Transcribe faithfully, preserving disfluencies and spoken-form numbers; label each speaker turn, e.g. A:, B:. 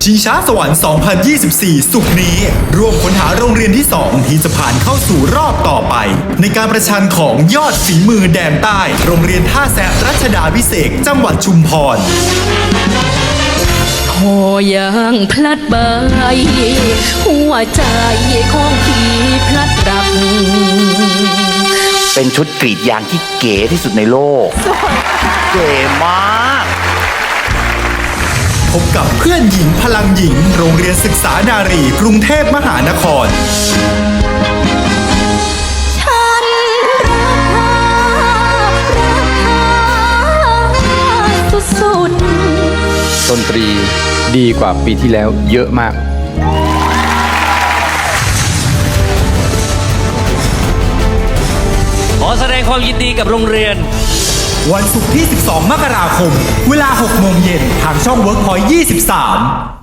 A: ชิงช้าสวรรค์ สองพันยี่สิบสี่ สุกร์นี้ร่วมค้นหาโรงเรียนที่ สอง ที่จะผ่านเข้าสู่รอบต่อไป ในการประชันของยอดฝีมือแดนใต้ โรงเรียนท่าแซะรัชดาพิเศษกจังหวัดชุมพร
B: พอยางพลัดใบหัวใจของพี่พลัดรัก
C: เป็นชุดกรีดยางที่เก๋ที่สุดในโลก เก๋มาก
A: พบกับเพื่อนหญิงพลังหญิง โรงเรียนศึกษานารีกรุงเทพมหานคร
B: ฉันรักเธอรักเธอสุดๆ
D: ดนตรีดีกว่าปีที่แล้วเยอะมาก
E: ขอแสดงความยินดีกับโรงเรียน
A: วันศุกร์ที่ สิบสอง มกราคม เวลา หก โมงเย็นทางช่อง เวิร์คพอยต์ ยี่สิบสาม